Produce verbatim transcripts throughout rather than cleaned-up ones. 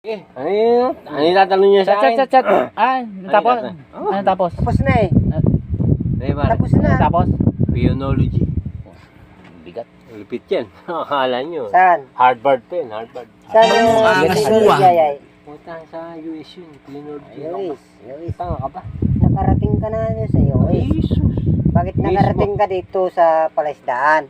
Eh, ano yun? Ano yung tatanong niya sa Chat, akin? chat, chat, chat. Ah, tapos. Ano Ano tapos? Tapos na eh. Ay, pare. Tapos na. Ano tapos? Pionology. Bigat. Lupit yan. Akala nyo. Saan? Harvard pa yun, Harvard. Saan yung Bigat. technology ay? Puta, sa U S yun. Pionology. Luis, Luis. Tanga ka ba? Nakarating ka na ano sa iyo Ay, eh. Jesus. Bakit nakarating ka dito sa palaisdaan?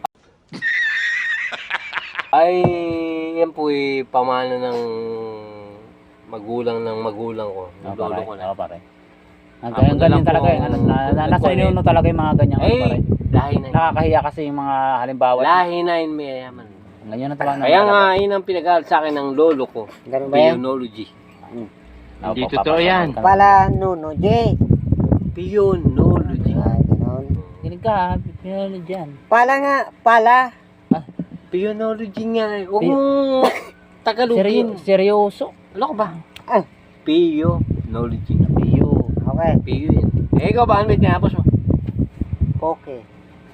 Ay, yan po eh, pamana ng magulang ng magulang ko. Ng lolo ko na. Ako pare. Ang Ako ganyan, na lang ganyan po talaga eh. ang- Ano, na, na, nasa nagkulit. inuno talaga yung mga ganyan. ano, pare. Ay, lahi na yun. Nakakahiya kasi yung mga halimbawa. Lahi na yun, mayayaman. Ganyan na talaga. Kaya nga, yun ang pinag-aaral sa akin ng lolo ko. Ganun ba yan? Pionology. Hindi totoo yan. Pala Nuno J. Pionology. Ay, ganun. Kinig ka, pinalo dyan. Pala nga, pala. Pionology nga eh. Huwag Pi- mong tagalugin. Seryo, seryoso. Ano ka ba? Ah. Pionology. Iyo. Okay. Pio yan. Eh, ikaw ba? Ano ba tinapos mo? Okay.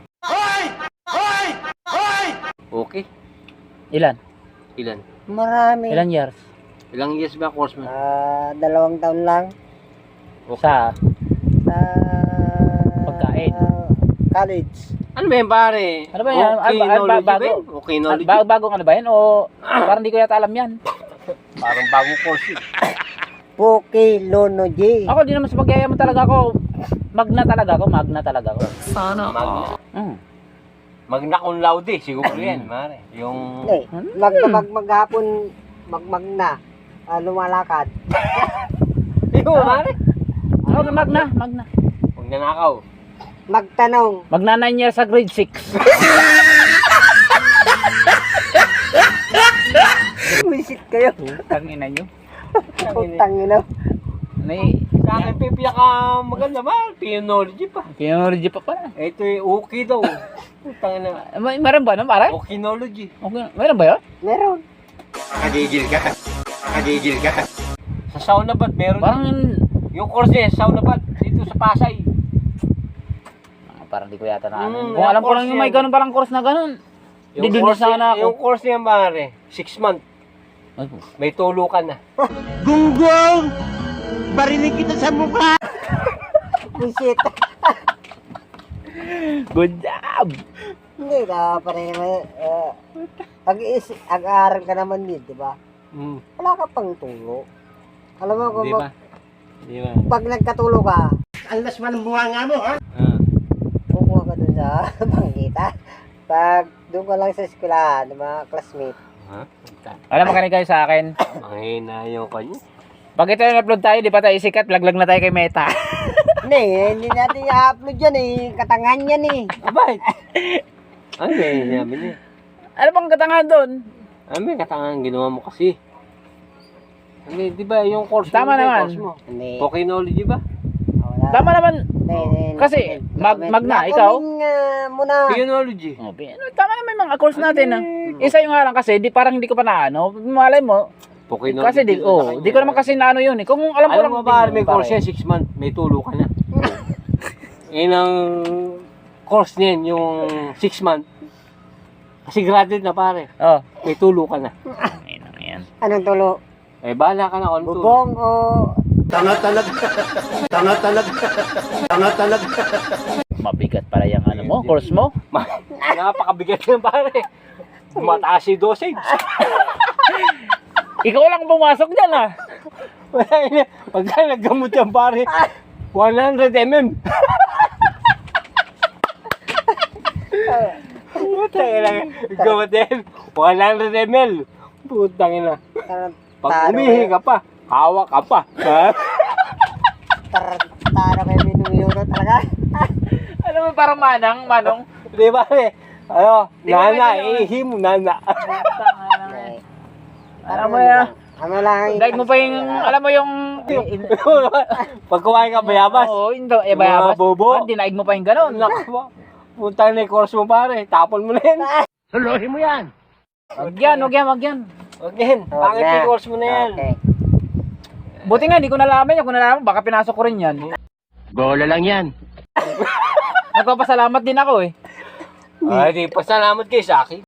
Okay. Ilan? Ilan? Marami. Ilan years? Ilang years ba course mo? Ah, dalawang taon lang. Sa Sa... Pagkain. College. Ano ba yan pare? Ano ba yan? Okay, Ano ba- ano ba- knowledge ba bago? yan? Okay, knowledge. Bago, bagong ano ba yan? O parang hindi ko yata alam yan. Parang bagong course yun. Poke Lono J. Ako di naman sa pagyayaman talaga ako. Magna talaga ako, magna talaga ako. Magna. Mm. Magna cum laude. Siguro yan, pare. Yung... Hindi. Hmm. Mag, mag, maghapon, magmag na. Ah, lumalakad. Yung, pare. Ako magna, magna. Huwag nanakaw. Magtanong. Magna nine years sa grade six. Wisit kayo. Tangina nyo. Putang ina. May Sa akin, pipiyak ka maganda ba? Pionology pa. Pinology pa pala. Ito eh, okay daw. Putang na. May meron ba no, pare? Okinology. Okay, meron ba 'yon? Meron. Nakagigil ka. Nakagigil ka. Sa sauna ba't meron? Parang Yung course niya, sauna ba't dito sa Pasay. ah, parang di ko yata na ano. Mm, Kung alam ko course lang yung may yan. ganun parang course na ganun. Di Yung doon course sana niya- ako. Yung course niya pare, six months. Ay, May tulukan na. Gunggong! Barinig kita sa mukha! Wisit. good job. Hindi na pa rin naman. Uh, ag-is, ag-aaral ka naman din, di ba? Hmm. Wala ka pang tulo. Alam mo kung Di ba? mag, Di ba? pag nagkatulo ka, Ang lasman ng bunga nga mo, ha? Ah. kukuha ka dun sa bangkita. Pag doon ka lang sa eskwela, di ba, classmate. Ha? Alam mo kanina kayo sa akin. Mahina yung kanya. Pag ito yung upload tayo, di pa tayo sikat, laglag na tayo kay Meta. Hindi, hindi natin i-upload yan eh. Katangan yan eh. Abay! Ano ba yung sinabi niya? Ano bang katangahan doon? Ano ba yung katangang ginawa mo kasi? Hindi, di ba yung course Tama mo? yung naman. Course mo. Hindi. Okinology ba? Wala. Tama naman. Hindi, hindi, hindi. Kasi, mag- magna, ikaw? Nakaming, ah, muna. Pionology. Oh, ano, tama naman yung mga course natin. Ah. Isa yung nga lang kasi, di, parang hindi ko pa na ano. Malay mo. Okinology. Kasi di, oh, di ko naman kasi na ano yun eh. Kung alam ko Alam lang. mo ba, may pare. course yan, six months, may tulo ka na. Yan ang course niyan, yung six months. Kasi graduate na pare, Oh. may tulo ka na. Ayun na yan. Anong tulo? Eh, bahala ka na kung ano tulo. Bubong o... Tanga talaga! Tanga talaga! Tanga talaga! Mabigat pala yung ano mo, course mo. Napakabigat yan pare. Mataas si dosage. Ikaw lang pumasok dyan ah. Wala yun. Pagka naggamot yan pare, one hundred millimeters. Putang ina. Gamot yan. one hundred milliliters. Putang ina. Pag umihi ka pa, hawak ka pa. Ha? Tarantara kayo minuminuto talaga. Ano mo parang manang, manong. Di ba eh? Ano, Di ba nana, may ganun? ihi mo, nana. Alam mo yan. Ano lang. Daig mo pa yung, alam mo yung... Pag kumain ka bayabas. Oo, hindi. Eh, bayabas. Mga bobo. Ah, dinaig mo pa yung gano'n. Naku, puntang na yung course mo pare, tapon mo na yan. Suluhin mo yan! Wag yan, wag yan, wag yan. Huwag yan, pangit yung course mo na yan. Okay. Buti nga, hindi ko nalaman yan. Kung nalaman, baka pinasok ko rin yan. Bola lang yan! Nagpapasalamat din ako eh. Ay, di, pasalamat kayo sa akin.